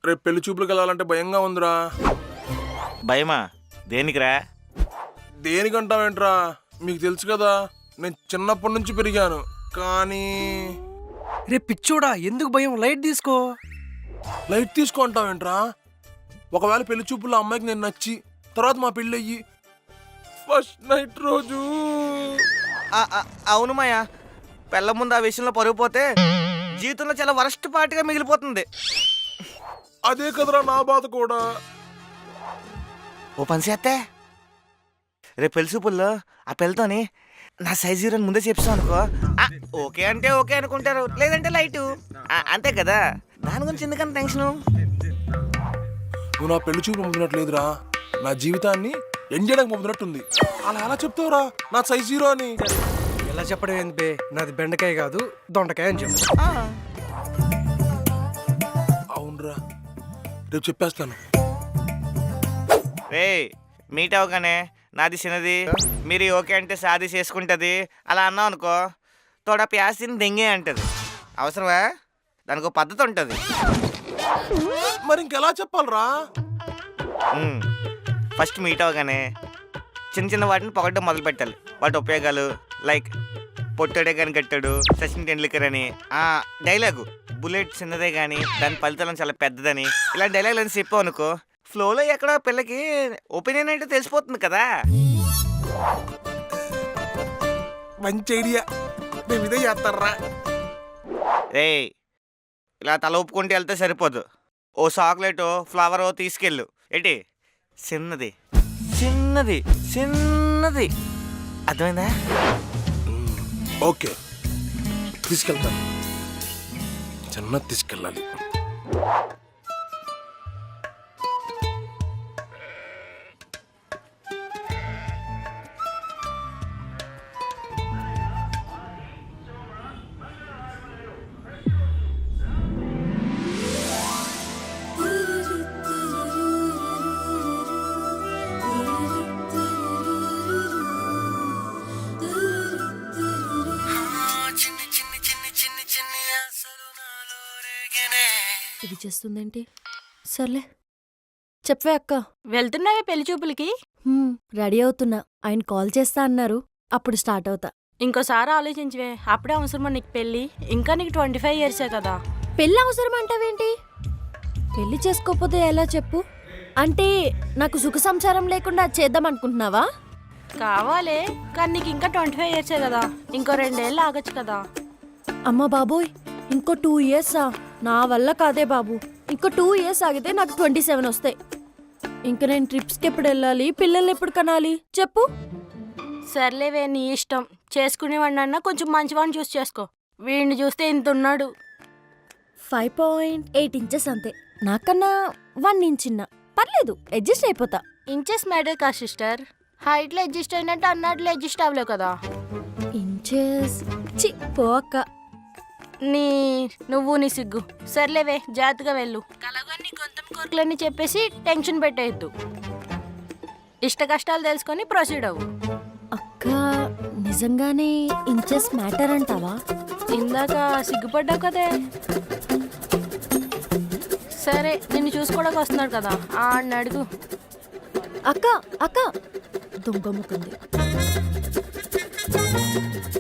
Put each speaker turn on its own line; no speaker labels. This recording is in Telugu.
రేపు పెళ్లి చూపులకు వెళ్ళాలంటే భయంగా ఉందిరా.
భయమా? దేనికిరా?
దేనికంటావేంట్రా, మీకు తెలుసు కదా నేను చిన్నప్పటి నుంచి పెరిగాను. కానీ
రే పిచ్చోడా, ఎందుకు భయం? లైట్ తీసుకో.
లైట్ తీసుకుంటావేంట్రా? ఒకవేళ పెళ్లి చూపుల్లో అమ్మాయికి నేను నచ్చి తర్వాత మా పెళ్ళి అయ్యి ఫస్ట్ నైట్ రోజు
అవును మాయా, పెళ్ళ ముందు ఆ విషయంలో పరుగు పోతే జీవితంలో చాలా వరస్ట్ పార్టీగా మిగిలిపోతుంది.
అదే కదరా నా బాధ కూడా.
ఓ పని చేస్తే రేపు పెళ్లి చూపుల్లో ఆ పెళ్ళతోని నా సైజు అని ముందే చెప్తాను అనుకో, ఓకే అంటే ఓకే అనుకుంటారు, లేదంటే లైటు, అంతే కదా. దాని గురించి ఎందుకంత టెన్షను?
నువ్వు నా పెళ్లి చూపు పంపినట్లేదురా, నా జీవితాన్ని ఎండ్ చేయడానికి పంపినట్టుంది. అలా ఎలా చెప్తావురా నా సైజ్ 0 అని?
ఎలా చెప్పడం ఏంది బే, నాది బెండకాయ కాదు దొండకాయ అని చెప్పు.
అవునరా, రేపు చెప్పేస్తాను.
రే మీట్ అవగానే నాది చిన్నది, మీరు ఓకే అంటే సాది చేసుకుంటుంది అలా అన్నావు అనుకో, తోడ ప్యాసిని దెంగే అంటది. అవసరమా? దానికి ఒక పద్ధతి ఉంటుంది.
మరి ఇంకెలా చెప్పాలరా?
ఫస్ట్ మీట్ అవగానే చిన్న చిన్న వాటిని పొగడ్డం మొదలు పెట్టాలి. వాటి ఉపయోగాలు, లైక్ పొట్టడే కానీ కట్టాడు సచిన్ టెండూల్కర్ అని, డైలాగు బుల్లెట్ చిన్నదే కానీ దాని ఫలితం చాలా పెద్దదని, ఇలా డైలాగులు అని చెప్పావు అనుకో, ఫ్లోలో ఎక్కడో పిల్లకి ఒపీనియన్ అంటే తెలిసిపోతుంది కదా.
మంచి ఐడియా, మేము ఇదే చేస్తారా.
రే ఇలా తల ఒప్పుకుంటూ వెళ్తే సరిపోదు, ఓ చాక్లెట్ ఫ్లవర్ తీసుకెళ్ళు. ఏంటి? చిన్నది చిన్నది చిన్నది, అర్థమైందా?
ఓకే, తీసుకెళ్తాను. చిన్నది తీసుకెళ్ళాలి.
ఇది చేస్తుందేంటి? సర్లే చెప్పవే అక్క.
వెళ్తున్నావే పెళ్లి చూపులకి?
రెడీ అవుతున్నా, ఆయన కాల్ చేస్తా అన్నారు, అప్పుడు స్టార్ట్ అవుతా.
ఇంకోసారి ఆలోచించవే, అప్పుడే అవసరమా నీకు పెళ్ళి? ఇంకా నీకు 25 ఇయర్సే కదా.
పెళ్ళి అవసరం అంటావేంటి? పెళ్లి చేసుకోకపోతే ఎలా చెప్పు? అంటే నాకు సుఖ సంసారం లేకుండా చేద్దాం అనుకుంటున్నావా?
కావాలే, కానీ నీకు ఇంకా 25 ఇయర్సే కదా, ఇంకో 2 ఏళ్ళు ఆగచ్చు కదా.
అమ్మ బాబోయ్, ఇంకో 2 ఇయర్సా? నా వల్ల కాదే బాబు. ఇంకో 2 ఇయర్స్ ఆగితే నాకు 27 వస్తాయి. ఇంక నేను ట్రిప్స్కి ఎప్పుడు వెళ్ళాలి, పిల్లల్ని ఎప్పుడు కనాలి చెప్పు?
సర్లేవే, నీ ఇష్టం. చేసుకునేవాడినన్నా కొంచెం మంచివాడిని చూసి చేసుకో. వీడిని చూస్తే ఇంత ఉన్నాడు.
5.8 ఇంచెస్ అంతే, నాకన్నా 1 ఇంచ్ చిన్న. పర్లేదు, అడ్జస్ట్ అయిపోతా.
ఇంచెస్ మ్యాటర్ కా సిస్టర్, హైట్లో అడ్జస్ట్ అయినట్టు అన్నట్లు అడ్జస్ట్ అవ్వలేవు కదా.
ఇంచెస్ చి పో అక్క.
నువ్వు నీ సిగ్గు. సర్లేవే, జాగ్రత్తగా వెళ్ళు. కలగా నీ గొంతం కోరికలన్నీ చెప్పేసి టెన్షన్ పెట్టేయద్దు. ఇష్ట కష్టాలు తెలుసుకొని ప్రొసీడ్ అవ్వు.
అక్క నిజంగానే ఇంచెస్ మ్యాటర్ అంటావా?
ఇందాక సిగ్గుపడ్డావు కదే. సరే, నిన్ను చూసుకోవడానికి వస్తున్నాడు కదా, ఆడిని అడుగు.
అక్క అక్క దొంగ ముక్కుంది.